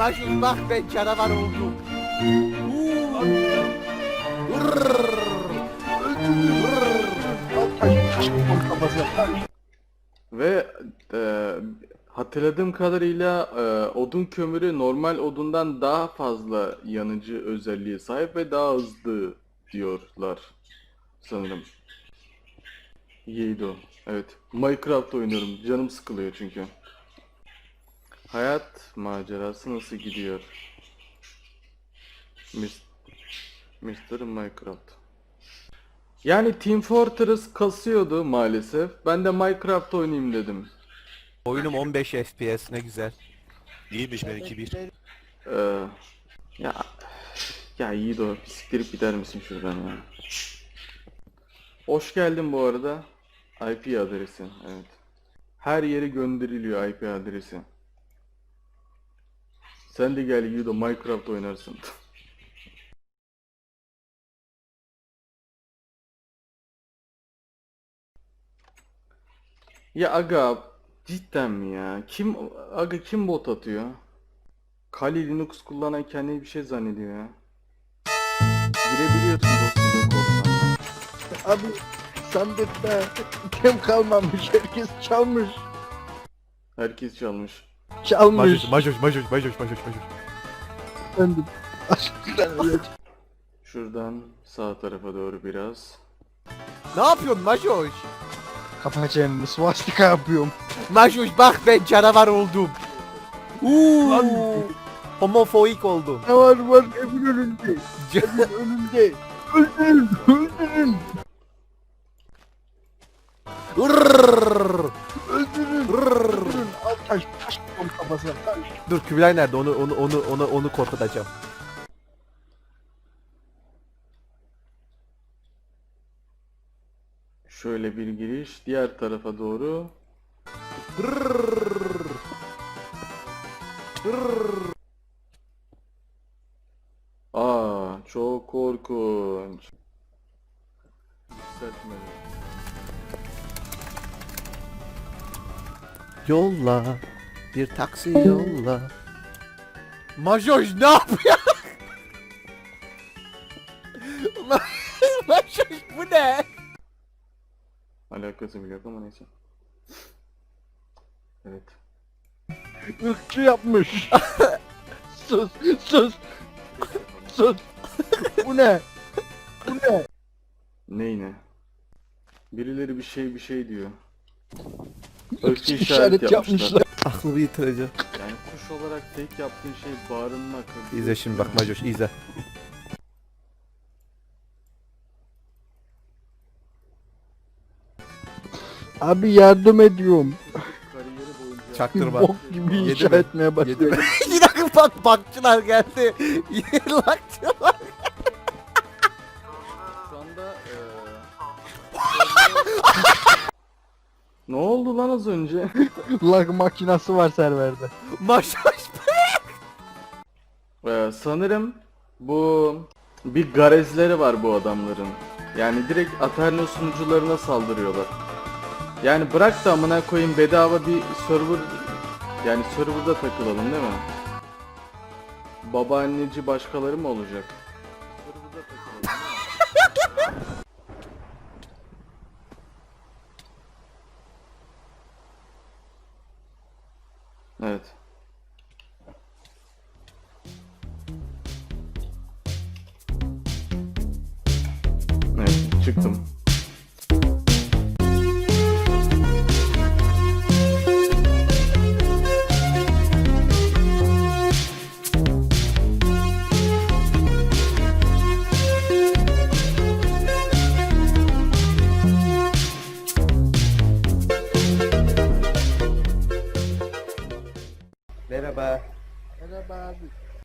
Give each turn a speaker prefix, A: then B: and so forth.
A: Majur bak ben canavar oldum.
B: Ve hatırladığım kadarıyla odun kömürü normal odundan daha fazla yanıcı özelliğe sahip ve daha hızlı diyorlar sanırım. İyiydi o. Evet. Minecraft oynuyorum. Canım sıkılıyor çünkü. Hayat macerası nasıl gidiyor? Mr. Minecraft. Yani Team Fortress kasıyordu maalesef. Ben de Minecraft oynayayım dedim.
A: Oyunum 15 FPS ne güzel.
C: İyiymiş benimki bir.
B: Ee, ya ya iyi de o. Bir siktirip gider misin şuradan ya? Hoş geldin bu arada. IP adresi. Evet. Her yere gönderiliyor IP adresi. Sen de gel Yudo Minecraft oynarsın. Ya aga cidden mi ya? Kim bot atıyor? Kali Linux kullanan kendini bir şey zannediyor ya. Girebiliyorsun dostum korsanla.
D: Abi sandıkta item kalmamış, herkes çalmış.
B: Herkes çalmış.
D: Çalmış.
A: Majur.
D: Efendim. Aşkından öyle.
B: Şuradan sağ tarafa doğru biraz.
A: Ne yapıyorsun Majur?
D: Kapa çeneni, swastika yapıyorum.
A: Majur bak ben canavar oldum. Homofobik oldum.
D: Ne var evin önünde. Evin önünde. Öldürün, öldürün. Öldürün. Al taş koyayım kafasına, taş.
A: Dur Kübray nerede? Onu korkutacağım.
B: Şöyle bir giriş diğer tarafa doğru. Aa çok korkunç. Yükseltmeli.
A: Yolla. Bir taksi yolla. Majoj ne yapıyor? Majoj bu ne?
B: Alakası bile yok ama neyse. Evet.
D: Irkçı yapmış. Sus, sus, sus. Bu ne? Bu ne?
B: Ney ne? Birileri bir şey diyor.
D: Irkçı işaret yapmışlar.
A: Aklımı yitireceğim.
B: Yani kuş olarak tek yaptığın şey bağırmak.
A: İzle şimdi bak Majoj izle.
D: Abi yardım ediyorum.
B: Kariyeri boyunca
A: Çaktırma.
D: Bok gibi
A: Yedi
D: inşa
A: mi?
D: etmeye başladı.
A: Bir dakika bak bakçılar geldi. Lakçılar.
B: Şu anda ne oldu lan az önce?
D: Lag makinası var serverde.
A: Majoj.
B: Sanırım bu bir garezleri var bu adamların. Yani direkt Aterno sunucularına saldırıyorlar. Yani bırak da amına koyayım bedava bir server, yani serverda takılalım değil mi? Babaanneci başkaları mı olacak? Serverda takılalım değil mi? Evet. Evet, çıktım.
A: Merhaba.
D: Merhaba abi.